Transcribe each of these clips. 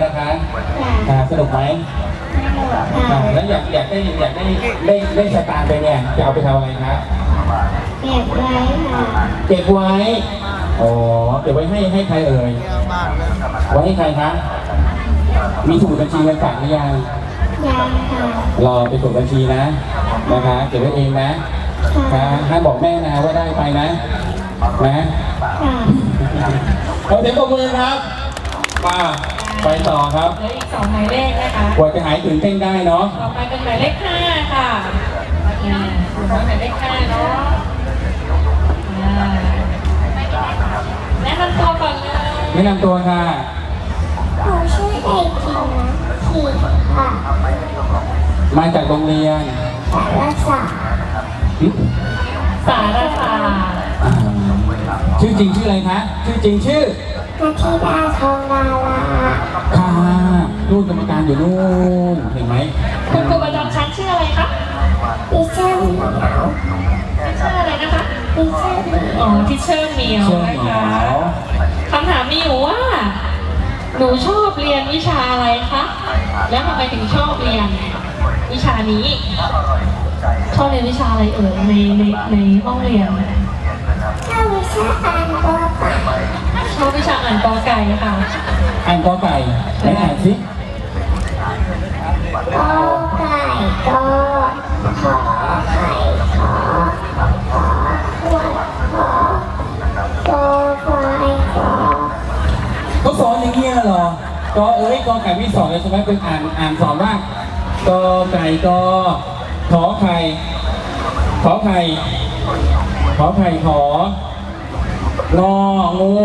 ล่ะคะสนุกไหมแล้วอยากได้สตางค์ไปเนี่ยจะเอาไปทำอะไรครับเก็บไว้ค่ะเก็บไว้อ๋อเก็บไว้ให้ใครเอ่ยไว้ให้ใครคะมีสมุดบัญชีเงินฝากหรือยังยังค่ะรอไปสมุดบัญชีนะคะเก็บไว้เองนะห้ามบอกแม่นะว่าได้ไปนะเราเสียงปรบมือครับไปต่อครับเหลืออีก2หมายเลขนะคะกว่าจะหายตื่นเต้นได้เนาะต่อไปเป็นหมายเลข5ค่ะหมายเลข5เนาะแนะนำตัวก่อนเลยแนะนำตัวค่ะหนูชื่อเด็กหญิงนะขีดค่ะมาจากโรงเรียนสารศาสตร์สารศาสตร์ชื่อจริงชื่ออะไรคะชื่อจริงชื่อนาธิดาทองดาราค่ะนู่นกรรมการอยู่นู่นเห็นไหมคุณครูประจำชั้นชื่ออะไรคะดิเชอร์เหมียวชื่ออะไรนะคะดิเชอร์เหมียวทิเชอร์เหมียวนะคะคำถามมีอยู่ว่าหนูชอบเรียนวิชาอะไรคะแล้วทำไมถึงชอบเรียนวิชานี้ชอบเรียนวิชาอะไรเอ่ยในห้องเรียนชอบวิชาอ่านกอไก่ชอบวิชาอ่านกอไก่ค่ะอ่านกอไก่ไหนอ่านสิกอไก่กอขอไข่ขอขวดขอกอควายขอเขาสอนอย่างเงี้ยเหรอกอกอไก่พี่สอนเลยใช่ไหมเป็นอ่านสอนว่ากอไก่กอขอไข่ขอไข่ขอไข่ขององูงอ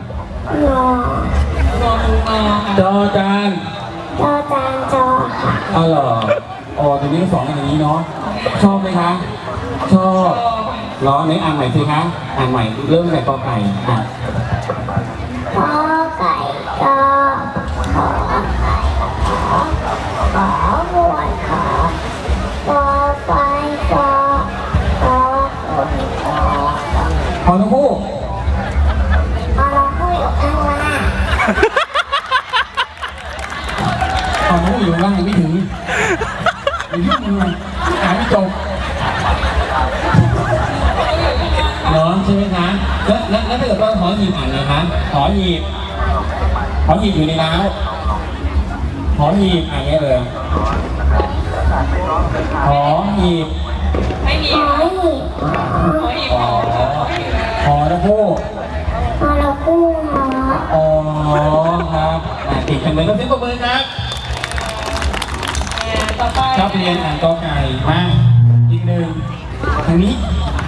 จอจานจอจานจอค่ะอ๋อเหรอตรงนี้สอนกันอย่างนี้เนาะชอบไหมคะชอบล้อไหนอ่านใหม่สิคะอ่านใหม่เริ่มจากกอไก่กอไก่กอขอไข่ขอหัวขอกอไฟกอกอคนกอพอทั้งคู่เราพูดอยู่ข้างล่างพอทั้งคู่อยู่ล่างยังไม่ถึงยุ่งเลยอ่านไม่จบเนาะใช่ไหมคะแล้วถ้าเกิดว่าหอหีบอ่านนะคะหอหีบอยู่ในน้ำหอหีบอ่านไงเลยหอหีบไม่มีหอหีบหอทั้งคู่หอเราคู่หอครับติดกันเลยก็เสียงปรบมือครับต่อไปชอบเรียนอ่านกอไก่มาอีกหนึ่งทางนี้